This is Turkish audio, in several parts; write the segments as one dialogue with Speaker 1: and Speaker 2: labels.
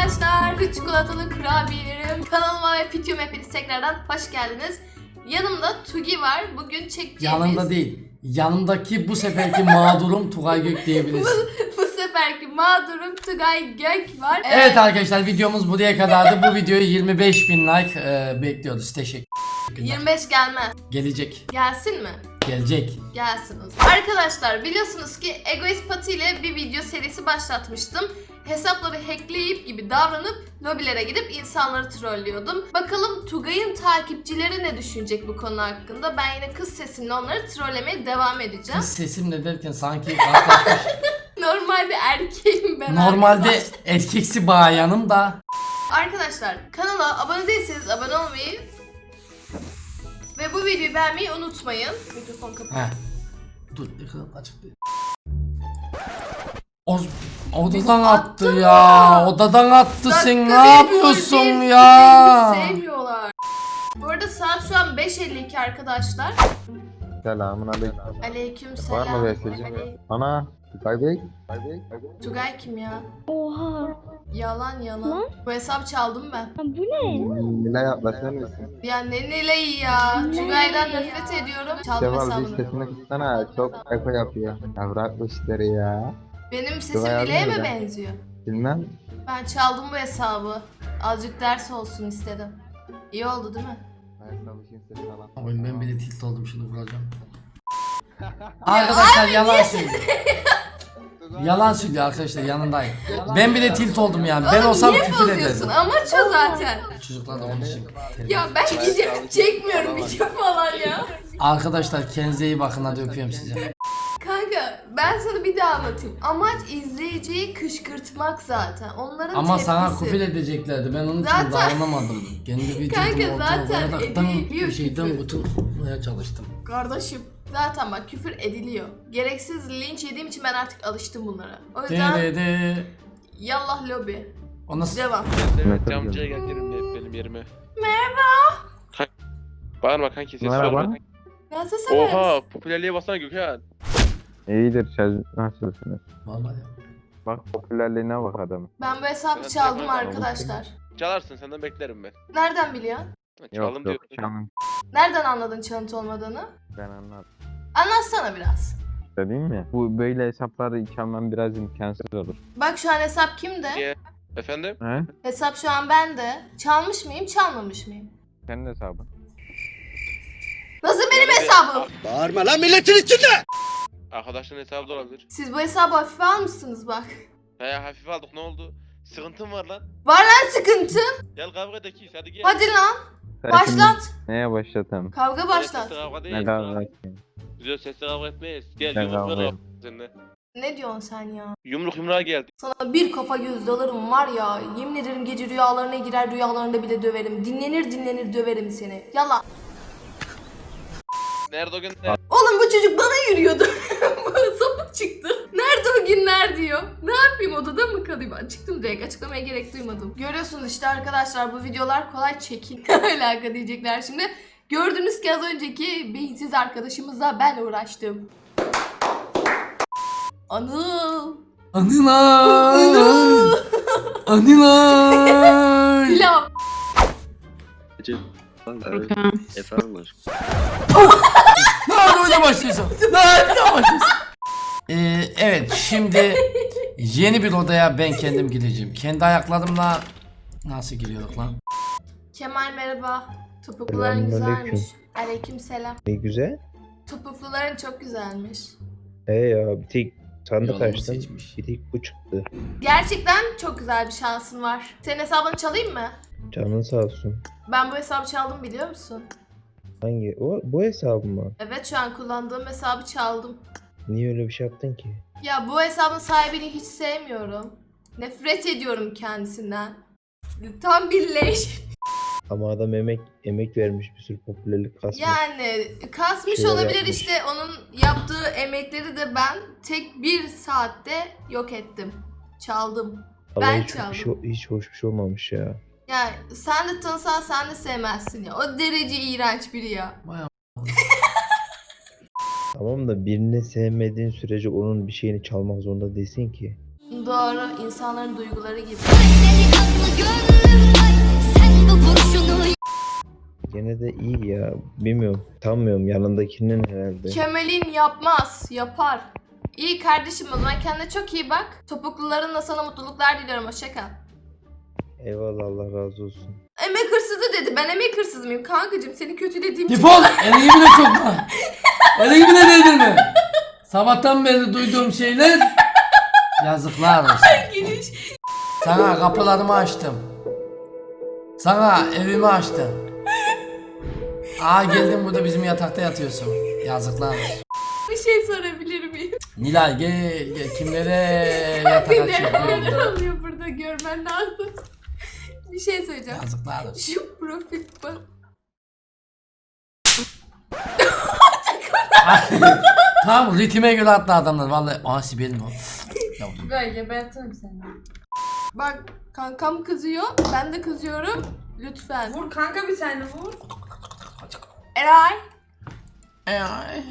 Speaker 1: arkadaşlar, çikolatalı kurabiyelerim kanalıma ve videoma hepiniz tekrardan hoş geldiniz. Yanımda Tugi var. Bugün çekeceğimiz...
Speaker 2: Yanımda değil. Yanımdaki bu seferki mağdurum Tugay Gök diyebiliriz.
Speaker 1: bu seferki mağdurum Tugay Gök var.
Speaker 2: Evet arkadaşlar, videomuz buraya kadardı. Bu videoyu 25.000 like bekliyoruz. Teşekkür ederim.
Speaker 1: 25 gelmez.
Speaker 2: Gelecek.
Speaker 1: Gelsin mi?
Speaker 2: Gelecek.
Speaker 1: Gelsin o zaman. Arkadaşlar biliyorsunuz ki Egoist Pati ile bir video serisi başlatmıştım. Hesapları hackleyip gibi davranıp lobilere gidip insanları trollüyordum. Bakalım Tugay'ın takipçileri ne düşünecek bu konu hakkında. Ben yine kız sesimle onları trollemeye devam edeceğim.
Speaker 2: Kız sesimle derken sanki rastlaşmış.
Speaker 1: Normalde erkeğim ben.
Speaker 2: Normalde erkeksi bayanım da.
Speaker 1: Arkadaşlar kanala abone değilseniz abone olmayı ve bu videoyu beğenmeyi unutmayın. Mikrofon kapalı.
Speaker 2: Heh. Dur, açık değil. Odadan attı ya. Odadan attı, sen ne yapıyorsun ya?
Speaker 1: Sevmiyorlar. Bu arada saat şu an 5:52 arkadaşlar.
Speaker 3: Selamun aleyküm.
Speaker 1: Aleyküm
Speaker 3: Var mı
Speaker 1: selam.
Speaker 3: mesajın? Ana, Tugay Bey.
Speaker 1: Tugay kim ya?
Speaker 4: Oha.
Speaker 1: Yalan.
Speaker 4: Lan?
Speaker 1: Bu hesap çaldım ben.
Speaker 4: Ha, bu ne?
Speaker 3: Nilay yaklaşır mısın?
Speaker 1: Ya ne neyi ya?
Speaker 4: Ne?
Speaker 1: Tugay'dan nefret ediyorum. Çaldım
Speaker 3: Kemal bir
Speaker 1: hesabını.
Speaker 3: sesini kıssana, çok eko yapıyor. Ya bırak bu işleri ya.
Speaker 1: Benim sesim
Speaker 3: Tugay
Speaker 1: Nilay'a
Speaker 3: abi
Speaker 1: mı
Speaker 3: nerede?
Speaker 1: benziyor?
Speaker 3: Bilmem.
Speaker 1: Ben çaldım bu hesabı. Azıcık ders olsun istedim. İyi oldu değil mi?
Speaker 3: Ben çalışayım sesi falan.
Speaker 2: Oyun, ben bile tilt oldum, şimdi vuracağım. Arkadaşlar yalan söylüyor. Yalan söylüyor arkadaşlar, yanındayım. Ben bile tilt oldum yani. Ben
Speaker 1: Oğlum
Speaker 2: olsam
Speaker 1: niye
Speaker 2: küfür
Speaker 1: bozuyorsun?
Speaker 2: ederdim.
Speaker 1: Amaç o zaten.
Speaker 2: Çocuklar da onun için.
Speaker 1: Ya ben video çekmiyorum video falan ya.
Speaker 2: Arkadaşlar kendinize iyi bakın, hadi öpüyorum sizi.
Speaker 1: Kanka ben sana bir daha anlatayım. Amaç izleyiciyi kışkırtmak zaten. Onların
Speaker 2: Ama
Speaker 1: tepkisi.
Speaker 2: sana küfür edeceklerdi, ben onun için
Speaker 1: Zaten-
Speaker 2: dayanamadım. Kendi videomu
Speaker 1: Kanka zaten
Speaker 2: ortadan
Speaker 1: ediliyor
Speaker 2: bir şeyden
Speaker 1: küfür.
Speaker 2: kurtulmaya çalıştım.
Speaker 1: Kardeşim zaten bak küfür ediliyor. Gereksiz linç yediğim için ben artık alıştım bunlara. O yüzden
Speaker 2: De.
Speaker 1: yallah lobi.
Speaker 2: O nasıl?
Speaker 1: Devam.
Speaker 3: Evet,
Speaker 5: Camcıya gel yerimle benim yerime.
Speaker 1: Merhaba.
Speaker 5: Bağırma kanki sessiz
Speaker 3: Merhaba.
Speaker 5: olma.
Speaker 1: Nasılsınız?
Speaker 5: Oha popülerliğe basana Gökhan.
Speaker 3: İyidir, nasılsınız?
Speaker 2: Normal ya.
Speaker 3: Bak popülerliğine bak adamın.
Speaker 1: Ben bu hesabı
Speaker 5: Evet,
Speaker 1: çaldım
Speaker 5: evet,
Speaker 1: arkadaşlar.
Speaker 5: Çalarsın senden beklerim ben.
Speaker 1: Nereden biliyorsun?
Speaker 5: Çaldım
Speaker 3: Yok
Speaker 5: diyor.
Speaker 3: canım.
Speaker 1: Nereden anladın çalıntı olmadığını?
Speaker 3: Ben anladım.
Speaker 1: Anlatsana biraz.
Speaker 3: Değil mi? Bu böyle hesapları çalmam biraz imkansız olur.
Speaker 1: Bak şu an hesap kimde?
Speaker 5: Niye? Efendim?
Speaker 3: He?
Speaker 1: Hesap şu an bende. Çalmış mıyım, çalmamış mıyım?
Speaker 3: Senin hesabın.
Speaker 1: Nasıl benim
Speaker 5: Böyle bir-
Speaker 1: hesabım?
Speaker 6: Bağırma lan milletin içinde!
Speaker 5: Arkadaşların hesabı da olabilir.
Speaker 1: Siz bu hesabı hafife almışsınız bak.
Speaker 5: He hafif aldık ne oldu? Sıkıntın var lan.
Speaker 1: Var lan sıkıntı.
Speaker 5: Gel kavga edekiyiz hadi gel.
Speaker 1: Hadi lan.
Speaker 3: Sen
Speaker 1: Başlat.
Speaker 3: şimdi Neye başlatalım?
Speaker 1: Kavga
Speaker 5: Öyle
Speaker 1: başlat.
Speaker 5: sesli kavga
Speaker 3: Ne
Speaker 5: değil.
Speaker 3: kadar eteyim?
Speaker 5: Biz öyle sesli kavga etmeyiz. Gel
Speaker 3: Ben
Speaker 5: yumruk
Speaker 3: kavga
Speaker 5: ver
Speaker 3: ederim.
Speaker 5: seninle.
Speaker 1: Ne diyorsun sen ya?
Speaker 5: Yumruk yumruğa geldi.
Speaker 1: Sana bir kafa göz dalarım var ya. Yemin ederim gece rüyalarına girer, rüyalarında bile döverim. Dinlenir döverim seni. Yallah.
Speaker 5: Nerede o gün?
Speaker 1: Oğlum bu çocuk bana yürüyordu. Sapık çıktı. Nerede o günler diyor. Ne yapayım, odada mı kalayım? Ben çıktım direkt, açıklamaya gerek duymadım. Görüyorsunuz işte arkadaşlar, bu videolar kolay çekin. Ne alaka diyecekler şimdi. Gördünüz ki az önceki beyinsiz arkadaşımızla ben uğraştım. Anıl.
Speaker 2: Anılar. Anılar.
Speaker 1: Pilav.
Speaker 6: Efendim aşkım.
Speaker 2: Nerede başlıyorsun? Nerede başlıyorsun? Evet, şimdi yeni bir odaya ben kendim gireceğim. Kendi ayaklarımla nasıl giriyorduk lan?
Speaker 1: Kemal merhaba. Topukluların
Speaker 3: Selamünaleyküm.
Speaker 1: güzelmiş. Aleykümselam.
Speaker 3: Ne güzel.
Speaker 1: Topukluların çok güzelmiş.
Speaker 3: Ya bir tek sandık
Speaker 2: Yolumu
Speaker 3: açtım.
Speaker 2: seçmiş.
Speaker 3: Bir tek bu çıktı.
Speaker 1: Gerçekten çok güzel bir şansın var. Senin hesabını çalayım mı?
Speaker 3: Canın sağ olsun.
Speaker 1: Ben bu hesabı çaldım biliyor musun?
Speaker 3: Hangi? Bu hesabı mı?
Speaker 1: Evet, şu an kullandığım hesabı çaldım.
Speaker 3: Niye öyle bir şey yaptın ki?
Speaker 1: Ya bu hesabın sahibini hiç sevmiyorum. Nefret ediyorum kendisinden. Tam bir leş.
Speaker 3: Ama adam emek vermiş, bir sürü popülerlik kasmış.
Speaker 1: Yani kasmış
Speaker 3: Şeyler
Speaker 1: olabilir
Speaker 3: yapmış.
Speaker 1: işte, onun yaptığı emekleri de ben tek bir saatte yok ettim. Çaldım.
Speaker 3: Ama
Speaker 1: ben
Speaker 3: hiç hoş bir şey olmamış ya.
Speaker 1: Yani sen de tanısan sen de sevmezsin ya. O derece iğrenç biri ya.
Speaker 3: Tamam da birini sevmediğin sürece onun bir şeyini çalmak zorunda değilsin ki.
Speaker 1: Doğru, insanların duyguları gibi.
Speaker 7: Gene de iyi ya. Bilmiyorum. Tanmıyorum yanındakinin herhalde.
Speaker 1: Kemal'in yapmaz, yapar. İyi kardeşim, o zaman kendine çok iyi bak. Topuklularınla sana mutluluklar diliyorum, hoşça kal.
Speaker 7: Eyvallah, Allah razı olsun.
Speaker 1: Emek hırsızı dedi. Ben emek hırsızı mıyım? Kankacığım seni kötülediğim için.
Speaker 2: Defol! Elini bile sokma. Elini bile değdirme. Sabahtan beri duyduğum şeyler yazıklar olsun.
Speaker 1: Giriş.
Speaker 2: Sana kapılarımı açtım. Sana evimi açtım. Aa geldin burada bizim yatakta yatıyorsun. Yazıklar olsun.
Speaker 1: Bir şey sorabilir miyim?
Speaker 2: Nilay gel kimlere yatak açıyor.
Speaker 1: Neler oluyor burada, görmen lazım. Bir şey söyleyeceğim.
Speaker 2: Yazıklar olsun.
Speaker 1: Şu profil bak.
Speaker 2: Tamam ritme göre attı adamlar vallahi. Aa Sibel'in o. Yavrum.
Speaker 1: Ben gebertirim seni. Bak kankam kızıyor, ben de kızıyorum. Lütfen.
Speaker 8: Vur kanka bir tane vur.
Speaker 1: Eray.
Speaker 2: Ay,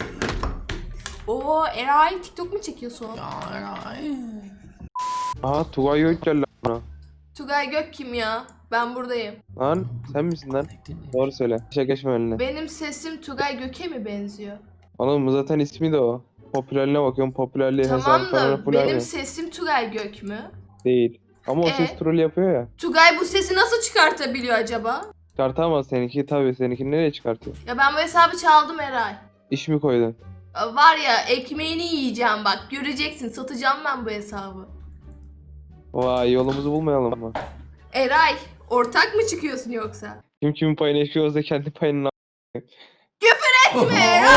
Speaker 1: Oo Eray, TikTok mu çekiyorsun?
Speaker 2: ay.
Speaker 3: Aa Tugay Gökçel lan.
Speaker 1: Tugay Gök kim ya? Ben buradayım.
Speaker 3: Lan sen misin lan? Doğru söyle. İşe geçme önüne.
Speaker 1: Benim sesim Tugay Gök'e mi benziyor?
Speaker 3: Oğlum zaten ismi de o. Popülerliğine bakıyorum. Popülerliği
Speaker 1: Tamam
Speaker 3: hesabı falan
Speaker 1: da
Speaker 3: full
Speaker 1: benim
Speaker 3: aynı.
Speaker 1: sesim Tugay Gök mü?
Speaker 3: Değil. Ama o ses troll yapıyor ya.
Speaker 1: Tugay bu sesi nasıl çıkartabiliyor acaba?
Speaker 3: Çıkartamaz seninki tabii. Seninkini nereye çıkartıyor?
Speaker 1: Ya ben bu hesabı çaldım Eray.
Speaker 3: İş mi koydun?
Speaker 1: Var ya, ekmeğini yiyeceğim bak, göreceksin, satacağım ben bu hesabı.
Speaker 3: Vay yolumuzu bulmayalım mı?
Speaker 1: Eray, ortak mı çıkıyorsun yoksa?
Speaker 3: Kim kimin payını eşiyorsa kendi payını
Speaker 2: Oh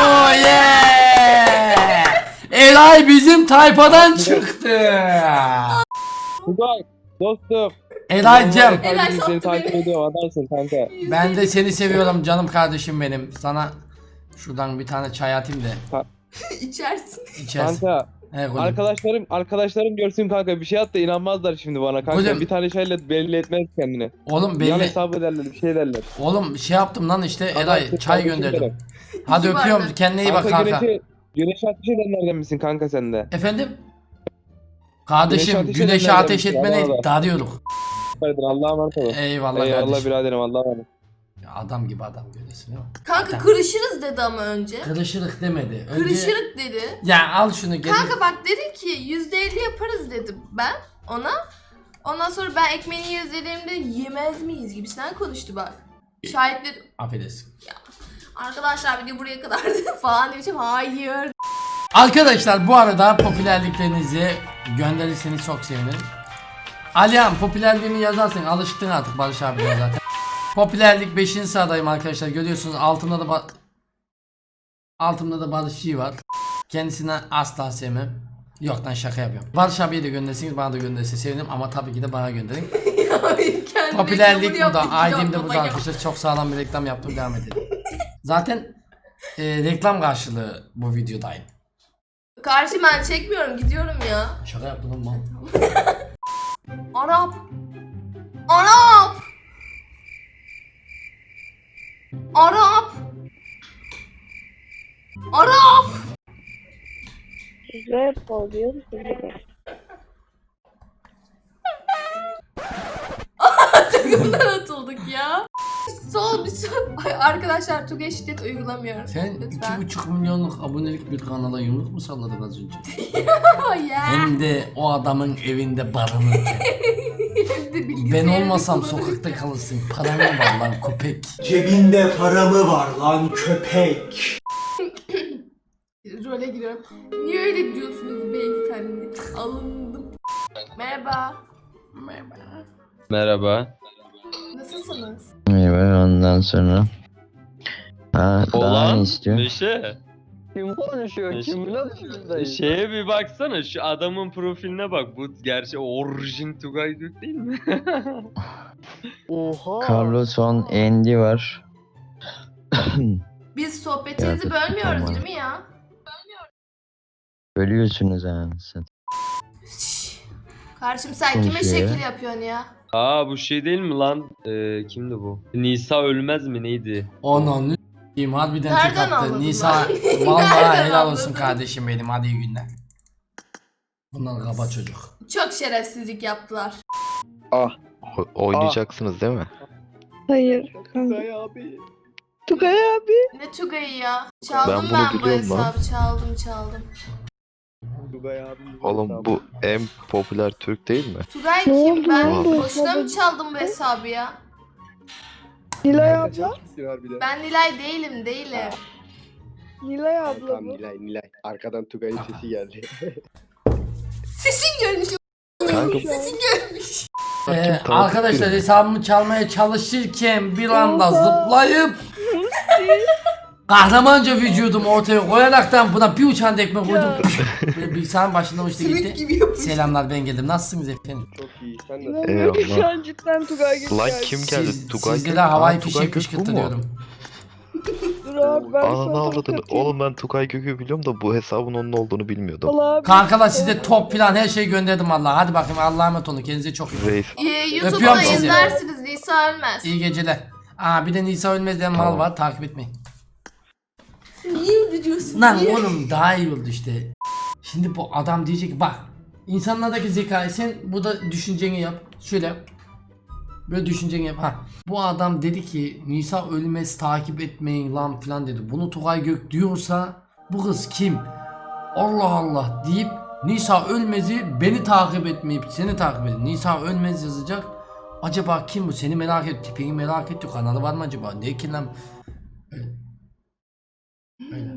Speaker 2: yeah! Eray bizim tayfadan çıktı.
Speaker 3: Tugay dostum.
Speaker 2: Eray'cım
Speaker 1: Eray
Speaker 3: Seni
Speaker 1: sattı
Speaker 3: takip
Speaker 1: beni.
Speaker 3: ediyorum adamsın kanka.
Speaker 2: ben de seni seviyorum canım kardeşim benim. Sana şuradan bir tane çay atayım da
Speaker 1: İçersin.
Speaker 2: içersin.
Speaker 3: Kanka
Speaker 2: He gülüm.
Speaker 3: arkadaşlarım görsün kanka bir şey at da inanmazlar şimdi bana kanka.
Speaker 2: Gülüm.
Speaker 3: Bir tane şeyle belli etmez kendini.
Speaker 2: Oğlum
Speaker 3: Yan
Speaker 2: belli.
Speaker 3: hesabı derler bir şey derler.
Speaker 2: Oğlum şey yaptım lan işte Eray
Speaker 3: Adamsın
Speaker 2: çay
Speaker 3: kardeşim
Speaker 2: gönderdim.
Speaker 3: benim.
Speaker 2: Hadi
Speaker 1: İki
Speaker 2: öpüyorum
Speaker 1: bardak.
Speaker 2: kendine iyi bak kanka.
Speaker 3: Güneşe ateş edenlerden misin kanka sen de?
Speaker 2: Efendim? Kardeşim
Speaker 3: Güneşe
Speaker 2: güneşe
Speaker 3: ateş
Speaker 2: ateş
Speaker 3: edenlerden
Speaker 2: etmeni
Speaker 3: misin?
Speaker 2: darıyorduk.
Speaker 3: Hayırdır Allah'a emanet olun.
Speaker 2: Eyvallah
Speaker 3: Eyvallah
Speaker 2: kardeşim.
Speaker 3: biraderim Allah'a emanet.
Speaker 2: Ya adam gibi adam görüyorsun değil mi?
Speaker 1: Kanka kırışırız dedi ama önce.
Speaker 2: Kırışırık demedi. Önce...
Speaker 1: Kırışırık dedi.
Speaker 2: Ya al şunu gel.
Speaker 1: Kanka bak dedi ki %50 yaparız dedim ben ona. Ondan sonra ben ekmeğini yeriz dediğimde yemez miyiz gibisinden konuştu bak. Şahitler
Speaker 2: Affedersin.
Speaker 1: arkadaşlar video buraya kadar falan demişim, hayır.
Speaker 2: Arkadaşlar bu arada popülerliklerinizi gönderirseniz çok sevinirim. Alihan popülerliğimi yazarsın, alıştın artık Barış abi zaten. Popülerlik 5. sıradayım arkadaşlar, görüyorsunuz altımda da Barışçı var. Kendisine asla sevmem. Yok lan şaka yapıyorum. Barış abiye de gönderirseniz bana da gönderirse sevinirim ama tabii ki de bana gönderin. Popülerlik burada, ID'm de burada arkadaşlar, çok sağlam bir reklam yaptım, devam edelim. Zaten reklam karşılığı bu videodayım.
Speaker 1: Karşı ben çekmiyorum, gidiyorum ya.
Speaker 2: Şaka yaptım lan mal.
Speaker 1: Arap. Arap. Arap. Arap.
Speaker 4: Rap oluyor.
Speaker 1: Takımdan atıldık ya. Sol bir sol. Ay, arkadaşlar Tugay şiddet uygulamıyorum.
Speaker 2: Sen
Speaker 1: Lütfen.
Speaker 2: 2,5 milyonluk abonelik bir kanala yumruk mu salladın az önce?
Speaker 1: Oh yeah.
Speaker 2: Hem de o adamın evinde barınırken.
Speaker 1: Hem de
Speaker 2: Ben
Speaker 1: bilgisayarını
Speaker 2: olmasam
Speaker 1: kullanırken.
Speaker 2: sokakta kalırsın. Paran mı var lan köpek?
Speaker 9: Cebinde para mı var lan köpek?
Speaker 1: Role giriyorum. Niye öyle diyorsunuz beyefendi? Alındım. Merhaba.
Speaker 10: Merhaba.
Speaker 1: Nasılsınız?
Speaker 7: Eyvallah ondan sonra. Ha daha
Speaker 10: Olan
Speaker 7: ne istiyor?
Speaker 10: Neşe.
Speaker 3: Kim konuşuyor?
Speaker 10: Neşe.
Speaker 3: Kim
Speaker 10: Şeye bir baksana, şu adamın profiline bak. Bu gerçi orijin Tugay Gök değil mi?
Speaker 3: Oha.
Speaker 7: Carlos Van Andy var.
Speaker 1: Biz sohbetinizi
Speaker 7: Ya,
Speaker 1: bölmüyoruz
Speaker 7: tamam.
Speaker 1: değil mi ya?
Speaker 7: Bölüyorsunuz ha sen.
Speaker 1: Şşş. Karşım sen kime
Speaker 7: Konuşuyor ya.
Speaker 1: şekil yapıyorsun ya?
Speaker 10: Aa bu şey değil mi lan? Kimdi bu? Nisa Ölmez mi neydi?
Speaker 2: Ananı s**eyim harbiden tek
Speaker 1: Nereden
Speaker 2: attı.
Speaker 1: anladın lan?
Speaker 2: Nisa vallahi
Speaker 1: Nereden
Speaker 2: helal olsun
Speaker 1: anladın?
Speaker 2: kardeşim benim, hadi iyi günler. Bunlar kaba çocuk.
Speaker 1: Çok şerefsizlik yaptılar.
Speaker 8: Oynayacaksınız değil mi?
Speaker 4: Hayır. Tugay abi.
Speaker 1: Ne Tugay'ı ya? Çaldım
Speaker 8: Ben bunu
Speaker 1: ben bu
Speaker 8: biliyorum lan.
Speaker 1: hesabı. Çaldım.
Speaker 8: Oğlum bu en popüler Türk değil mi?
Speaker 1: Tugay
Speaker 4: Ne
Speaker 1: kim?
Speaker 4: oldu
Speaker 1: Ben
Speaker 8: lan?
Speaker 1: boşuna mı çaldım bu hesabı ya?
Speaker 4: Nilay abla.
Speaker 1: Ben Nilay değilim.
Speaker 4: Nilay abla bu.
Speaker 6: Nilay. Arkadan Tugay'ın sesi geldi.
Speaker 1: Sesin görmüş.
Speaker 8: Kanka
Speaker 1: Sesin görmüş.
Speaker 8: Bakayım, tanıdık
Speaker 2: Arkadaşlar
Speaker 8: biri.
Speaker 2: hesabımı çalmaya çalışırken bir anda zıplayıp kahramanca vücudumu ortaya koyaraktan buna bir uçan tekme koydum. Böyle bilgisayarın başında uçtu
Speaker 1: Simit
Speaker 2: gitti.
Speaker 1: gibi yapmış.
Speaker 2: Selamlar, ben geldim. Nasılsınız efendim?
Speaker 6: Çok iyi. Sen de.
Speaker 4: İnanmıyorum ki şu an cidden Tugay gibi
Speaker 8: Lan
Speaker 4: geldi.
Speaker 8: kim geldi? Tugay
Speaker 2: Sizde
Speaker 8: Gök.
Speaker 2: de havai
Speaker 8: Aa, Tugay
Speaker 2: fişek
Speaker 8: Gök bu mu?
Speaker 2: fışkırtılıyorum.
Speaker 4: Dur abi ben
Speaker 8: Aa
Speaker 4: sana
Speaker 8: ne avladın?
Speaker 4: katayım.
Speaker 8: Oğlum ben Tugay Gök'ü biliyorum da bu hesabın onun olduğunu bilmiyordum.
Speaker 4: Allah abi.
Speaker 2: Kankalar size top plan her şeyi gönderdim Allah'a. Hadi bakayım, Allah'a emanet olun. Kendinize çok iyi bakın.
Speaker 8: Reis.
Speaker 1: YouTube'da
Speaker 2: Öpüyorum sizi.
Speaker 1: izlersiniz Nisa Ölmez.
Speaker 2: İyi geceler. Aa bir de Nisa Ölmez diyen mal
Speaker 8: Tamam.
Speaker 2: var, takip etmeyin.
Speaker 1: Niye öyle diyorsun?
Speaker 2: Lan
Speaker 1: Niye?
Speaker 2: oğlum daha iyi oldu işte. Şimdi bu adam diyecek ki bak, insanlardaki zekayı sen burada düşünceni yap. Şöyle yap. Böyle düşünceni yap. Ha. Bu adam dedi ki Nisa Ölmez takip etmeyin lan filan dedi. Bunu Tugay Gök diyorsa bu kız kim? Allah Allah deyip Nisa Ölmez'i beni takip etmeyip seni takip edin. Nisa Ölmez yazacak. Acaba kim bu? Seni merak et, tipini merak etti. Kanalı var mı acaba? Ne ki lan? Öyle.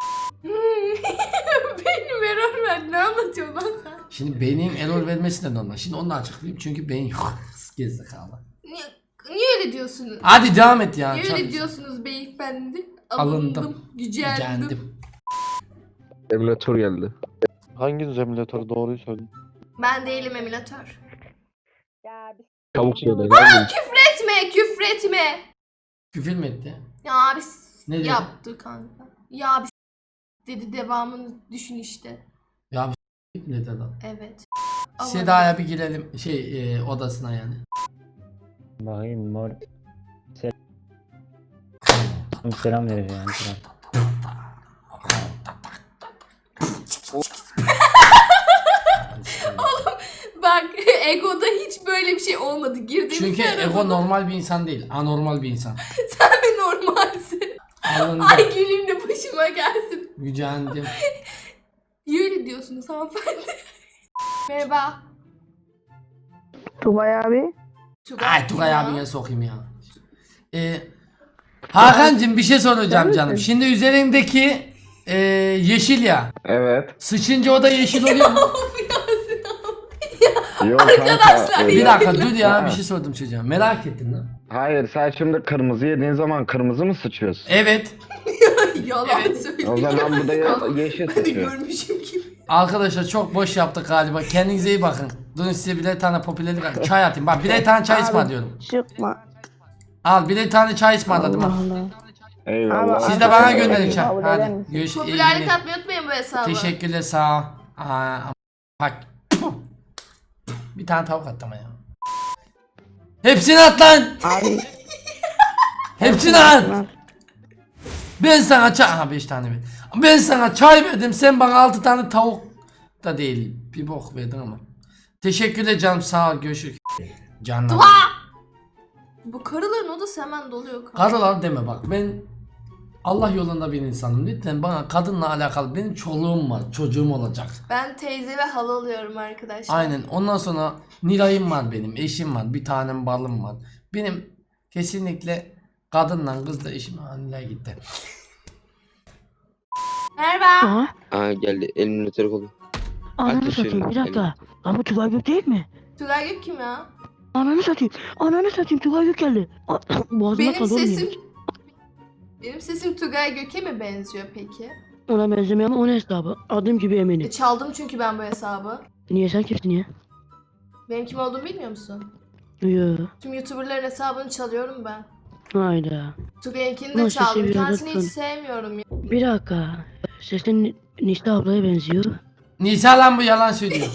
Speaker 1: Benim error ver. Ne anlatıyorsun lan sen?
Speaker 2: Şimdi beynin error vermesi de normal. Şimdi onu da açıklayayım çünkü beyin yok. Gerizekalı.
Speaker 1: Niye öyle diyorsunuz?
Speaker 2: Hadi devam et ya.
Speaker 1: Niye
Speaker 2: Çabuk.
Speaker 1: öyle diyorsunuz beyefendi?
Speaker 2: Alındım.
Speaker 1: Gücendim.
Speaker 2: Gücendim.
Speaker 3: Emülatör geldi.
Speaker 8: Hangi emülatör doğruyu söyle.
Speaker 1: Ben değilim emülatör.
Speaker 3: Çabuk söyle.
Speaker 1: Küfür etme.
Speaker 2: Küfür mü etti?
Speaker 1: Ya abi
Speaker 2: Ne dedi?
Speaker 1: yaptı kanka. Ya abi dedi, devamını düşün işte.
Speaker 2: Ya bir ne dedi?
Speaker 1: Evet.
Speaker 2: Seda'ya bir girelim odasına yani.
Speaker 7: Bakayım mor. Selam vereceğim.
Speaker 1: Bak Ego'da hiç böyle bir şey olmadı. Girdiğimiz
Speaker 2: Çünkü
Speaker 1: yer
Speaker 2: Ego
Speaker 1: olmadı.
Speaker 2: normal bir insan değil. Anormal bir insan.
Speaker 1: Sen mi normalsin?
Speaker 2: Alındım.
Speaker 1: Ay güleyim de başıma gelsin.
Speaker 2: Gücendim.
Speaker 1: Niye öyle diyorsunuz hanımefendi? Merhaba.
Speaker 4: Tugay abi.
Speaker 2: Ay Tugay abine sokayım ya. Hakan'cığım bir şey soracağım canım. Şimdi üzerindeki yeşil ya.
Speaker 3: Evet.
Speaker 2: Sıçınca o da yeşil oluyor mu?
Speaker 3: Yok
Speaker 1: Arkadaşlar,
Speaker 2: Bir
Speaker 1: ya.
Speaker 2: dakika dur ya, bir şey sordum çocuğa. Merak ettim lan.
Speaker 3: Hayır, sen şimdi kırmızı yediğin zaman kırmızı mı sıçıyorsun?
Speaker 2: Evet.
Speaker 1: Yalan söylüyor.
Speaker 3: O zaman bu da yeşil
Speaker 1: Hani
Speaker 3: sıçıyor.
Speaker 1: görmüşüm gibi.
Speaker 2: Arkadaşlar çok boş yaptık galiba. Kendinize iyi bakın. Durun size birer tane popülerlik çay atayım. Bak birer tane çay ısmarlıyorum.
Speaker 4: Çıkma.
Speaker 2: Al birer tane çay ısmarladım al.
Speaker 4: Allah.
Speaker 3: Eyvallah.
Speaker 2: Siz de bana gönderin çay.
Speaker 4: Kabul eder
Speaker 2: Hadi.
Speaker 4: misin?
Speaker 2: Görüşürüz. İyi
Speaker 1: Popülerlik
Speaker 2: günler.
Speaker 1: atmayı unutmayın bu hesabı.
Speaker 2: Teşekkürler sağ ol. Aa, bak. Bir tane tavuk attım ya. Hepsini at lan.
Speaker 4: Abi.
Speaker 2: Hepsini at. Ben sana çay... Aha 5 tane ver. Ben sana çay verdim. Sen bana 6 tane tavuk da değil. Bir bok verdin ama. Teşekkürler canım sağ ol. Görüşürüz. Canım.
Speaker 1: Bu karıların odası hemen doluyor. kanka.
Speaker 2: Karılar deme bak, ben Allah yolunda bir insanım. Lütfen bana kadınla alakalı, benim çoluğum var, çocuğum olacak.
Speaker 1: Ben teyze ve hala alıyorum arkadaşlar.
Speaker 2: Aynen, ondan sonra Nilay'ım var benim, eşim var, bir tanem balım var. Benim kesinlikle kadınla kızla eşim, Nilay gitti.
Speaker 1: Merhaba.
Speaker 4: Aha.
Speaker 6: Aa geldi. Emülatör kolu.
Speaker 4: Ananı satayım bir dakika. Lan bu Tugay Gök değil mi?
Speaker 1: Tugay Gök kim ya?
Speaker 4: Ananı satayım. Ananı satayım Tugay Gök geldi. Boğazıma
Speaker 1: Benim
Speaker 4: kaldı oğlum
Speaker 1: sesim...
Speaker 4: yemin.
Speaker 1: Benim sesim Tugay Gök'e mi benziyor peki?
Speaker 4: Ona benzemiyor ama onun hesabı. Adım gibi eminim.
Speaker 1: Çaldım çünkü ben bu hesabı.
Speaker 4: Niye sen kimsin ya?
Speaker 1: Benim kim olduğumu bilmiyor musun?
Speaker 4: Yo.
Speaker 1: Tüm YouTuber'ların hesabını çalıyorum ben.
Speaker 4: Hayda.
Speaker 1: Tugay'ınkini de
Speaker 4: Nasıl
Speaker 1: çaldım.
Speaker 4: seviyorum,
Speaker 1: Kendisini hiç
Speaker 4: lütfen.
Speaker 1: sevmiyorum ya.
Speaker 4: Bir dakika. Sesin Nista ablaya benziyor.
Speaker 2: Nisa lan bu, yalan söylüyor.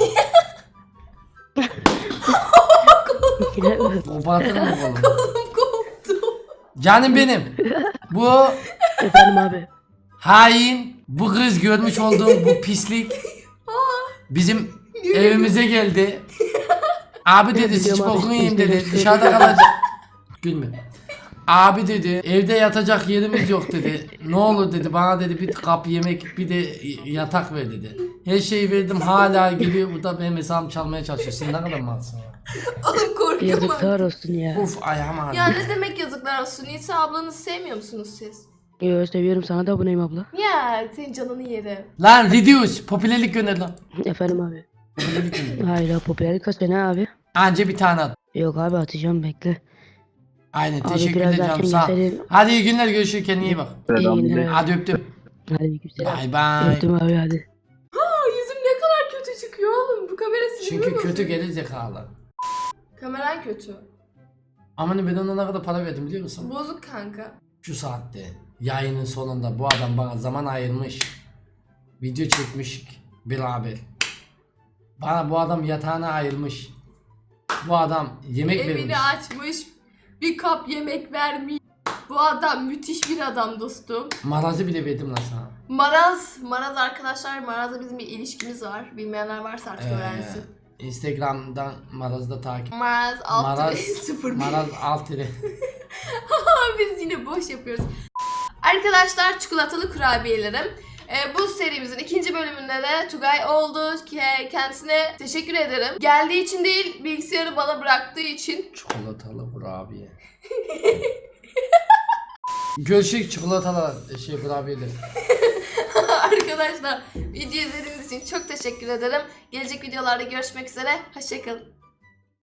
Speaker 2: Kopartırım mı kolunu?
Speaker 1: Kolum koptu.
Speaker 2: Canım benim. Bu
Speaker 4: Efendim abi.
Speaker 2: hain, bu kız görmüş olduğum bu pislik bizim Evimize geldi. Abi dedi
Speaker 4: Biliyorum
Speaker 2: sıç
Speaker 4: abi,
Speaker 2: bokunu yiyeyim dedi.
Speaker 4: işte
Speaker 2: Dışarıda kalacak. Gülme. Abi dedi evde yatacak yerimiz yok dedi. Ne olur dedi bana dedi bir kap yemek bir de yatak ver dedi. Her şeyi verdim hala geliyor burada benim hesabımı çalmaya çalışıyor. Sen ne kadar malsın ya.
Speaker 1: Oğlum korkuyorum
Speaker 4: Yazıklar
Speaker 1: artık.
Speaker 4: olsun ya.
Speaker 2: Uf ayağım ağrıyor.
Speaker 1: Ya ne demek yazıklar olsun? Nisa ablanızı sevmiyor musunuz siz?
Speaker 4: Yo seviyorum, sana da aboneyim abla.
Speaker 1: Ya senin canını yerim.
Speaker 2: Lan reduce popülerlik gönder lan.
Speaker 4: Efendim abi.
Speaker 2: Popülerlik gönder.
Speaker 4: Hayır ya, popülerlik kaç tane abi?
Speaker 2: Anca bir tane at.
Speaker 4: Yok abi, atacağım, bekle.
Speaker 2: Aynen
Speaker 4: Abi
Speaker 2: teşekkürler
Speaker 4: biraz
Speaker 2: canım
Speaker 4: erken
Speaker 2: sağ ol.
Speaker 4: gelseydin.
Speaker 2: Hadi iyi günler görüşürüz kendine iyi bak.
Speaker 4: İyi günler abi.
Speaker 2: Hadi öptüm.
Speaker 4: Hadi güzel.
Speaker 2: Bay bay.
Speaker 4: Öptüm abi, hadi.
Speaker 1: Yüzüm ne kadar kötü çıkıyor oğlum. Bu kamera
Speaker 2: Çünkü
Speaker 1: sinirli
Speaker 2: kötü
Speaker 1: bozuyor.
Speaker 2: gelir zekalı.
Speaker 1: Kameran kötü.
Speaker 2: Aman ben ona ne kadar para verdim biliyor musun?
Speaker 1: Bozuk kanka.
Speaker 2: Şu saatte yayının sonunda bu adam bana zaman ayırmış. Video çekmiş beraber. Bana bu adam yatağına ayırmış. Bu adam yemek vermiş.
Speaker 1: Evini açmış. Bir kap yemek vermiş. Bu adam müthiş bir adam dostum.
Speaker 2: Marazı bile verdim lan sana.
Speaker 1: Maraz arkadaşlar, Maraz'la bizim bir ilişkimiz var. Bilmeyenler varsa artık öğrensin.
Speaker 2: Instagram'dan Maraz'ı da takip.
Speaker 1: Maraz alt
Speaker 2: Maraz,
Speaker 1: 0
Speaker 2: Maraz alt ile.
Speaker 1: Biz yine boş yapıyoruz. Arkadaşlar çikolatalı kurabiyelerim. Bu serimizin ikinci bölümünde de Tugay oldu. Kendisine teşekkür ederim. Geldiği için değil, bilgisayarı bana bıraktığı için.
Speaker 2: Çikolatalı kurabiye. Görüşürüz çikolatalı kurabiyeler.
Speaker 1: Arkadaşlar video izlediğiniz için çok teşekkür ederim. Gelecek videolarda görüşmek üzere. Hoşçakalın.